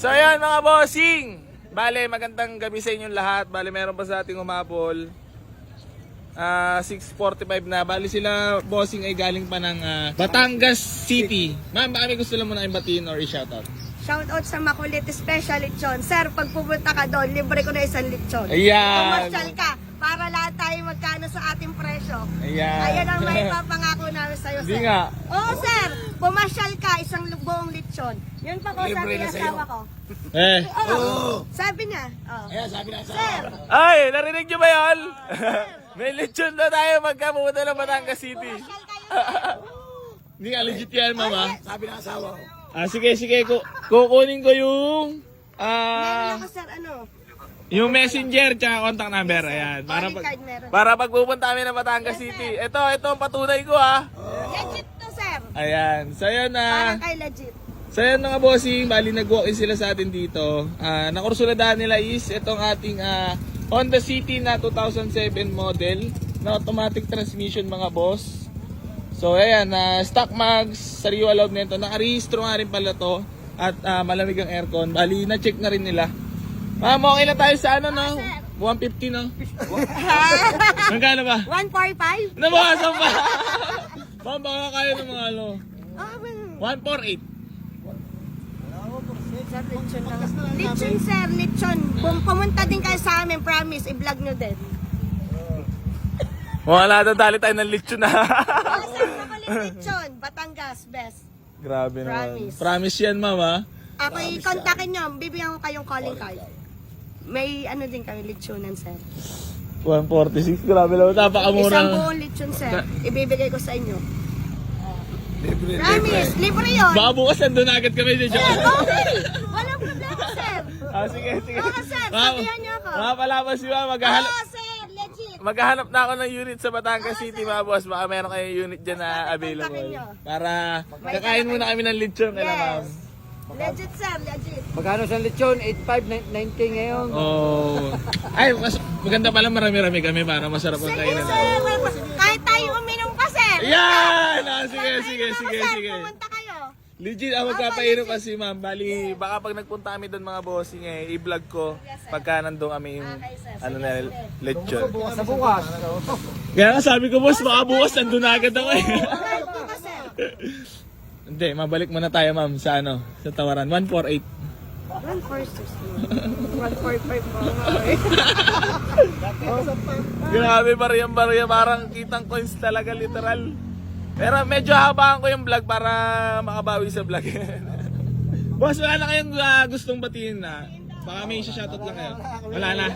So ayan mga bossing. Bale, magandang gabi sa inyong lahat. Bale, meron pa sa ating umapol. 6:45 na. Bale sila bossing ay galing pa ng Batangas City. Ma'am, baka may gusto lang muna i-batiin or i-shoutout. Shoutout sa Makulit Special Lechon. Sir, pag pupunta ka doon, libre ko na isang lechon. Ayan. Commercial ka para lahat tayo magkano sa ating presyo. Ayan. Ayan ang may papangako namin sa'yo, Hindi sir. nga. Oo, sir. Pumasyal ka, isang buong lechon. Yun pa ko sabi ng asawa ko. Sabi niya. Oh. Ayan, sabi na Sir, Ay, narinig nyo ba yun? May lechon na tayo magkapunta ng Batangas City. pumasyal kayo. Hindi nga legit yan, mama. Sabi ng asawa ko. Sige. Kukunin ko yung Meron ako, sir, ano? yung messenger tsaka contact number. Ayan. Para Calling card meron. para pag pupunta kami ng Batangas City. Ito ang patunay ko ha. Legit to, sir. Ayan. So yun Parang kay legit. So yun mga bossing, bali nag-walk-in sila sa atin dito. Nakursuladahan nila is itong ating Honda City na 2007 model na automatic transmission mga boss. So ayan, stock mags, sariwa loob nito. Nakarehistro nga rin pala to at malamig ang aircon. Bali na-check na rin nila. Ma'am, okay na tayo sa ano no? 150 no? Magkano ba? 145? Nabawasan pa! Ma'am, baka kaya ng mga ano? Oh, 148. sir, lechon lang. Lechon, sir, lechon. Pumunta din kayo sa amin, promise, i-vlog nyo din. Wala na dali tayo ng lechon na. Oh, sir, Makulit Lechon, Batangas, best. Grabe naman. Promise. Promise yan, mama. Ako, i-contactin nyo, bibigyan ko kayong calling card. May ano din kami, lechonan, sir. 146, grabe lang. Napakamura. Isang buong lechon, sir. Ibibigay ko sa inyo. Promise, libre yun. Baka bukas nandun agad kami dyan. Sir, okay. Walang problema, sir. Sige. Oo, sir, sabihan niyo ako. Mga palaban si mama, Oo, sir, legit. maghahanap na ako ng unit sa Batangas City, mga boss. Baka meron kayong unit dyan na available. Para kakain muna kami ng lechon. Ma'am. Yes. Legit, sir, legit. Magkano sa lechon? 8.5, 9K ngayon. Oh. Ay, maganda pala marami-rami kami para masarap ang Sige, kainan. sir. Kahit tayo uminom pa, sir. Yan! Sige. Sir, pumunta kayo. Legit, ako magpapainom kasi ma'am. Bali, baka pag nagpunta kami doon mga bossing i-vlog ko pagka nandun kami yung Okay, sir. ano na lechon. Bukas sa bukas. Kaya nga sabi ko boss, baka bukas nandun na agad ako eh. Okay, bukas, sir. Hindi, mabalik muna tayo ma'am sa sa tawaran. 148. 145 po. Grabe, barya-barya. Parang kitang coins talaga, literal. Pero medyo habaan ko yung vlog para makabawi sa vlog. Boss, wala na kayong gustong batiin na? Baka may shoutout lang kayo. Wala na.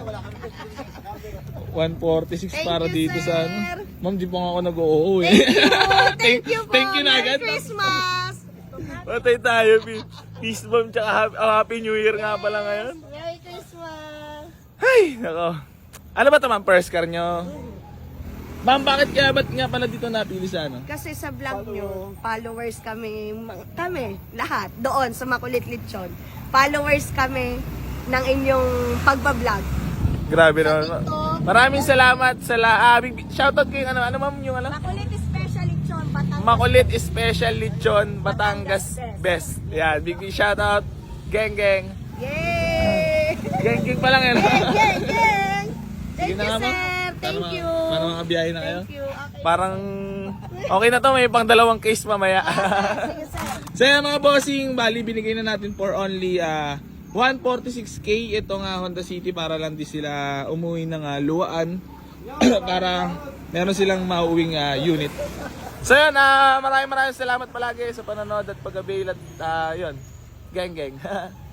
146 para Thank you, dito sir. sa ano. Ma'am, di pa nga ako nag-oo eh. Thank you po. Thank you na Merry agad. Christmas. Patay tayo. Peace bomb tsaka happy new year nga pala ngayon. Merry Christmas. Ay, nako. Ano ba ito ma'am? First car nyo? Ma'am, ba't nga pala dito napili sa ano? Kasi sa vlog nyo, followers kami, lahat, doon sa Makulit Lechon. Followers kami ng inyong pagbablog. Grabe naman. Dito. Maraming salamat sa shoutout kayo ano ma'am yung ano? Makulit Special Lechon, Batangas. Makulit Special Lechon Batangas Best. Yan, big shoutout. Geng. Yay! Geng pa lang yan. Geng! Thank Sige na you, nga, ma'am. sir. Thank you. Para makabiyahe na kayo. Thank you. Okay. Parang okay na to, may pang dalawang case mamaya. Sige, sir. So yan mga bossing, bali binigay na natin for only 146k itong Honda City para lang di sila umuwi ng luwaan para meron silang mauwing unit. So yan, maraming salamat palagi sa panonood at pag-avail at yun, geng.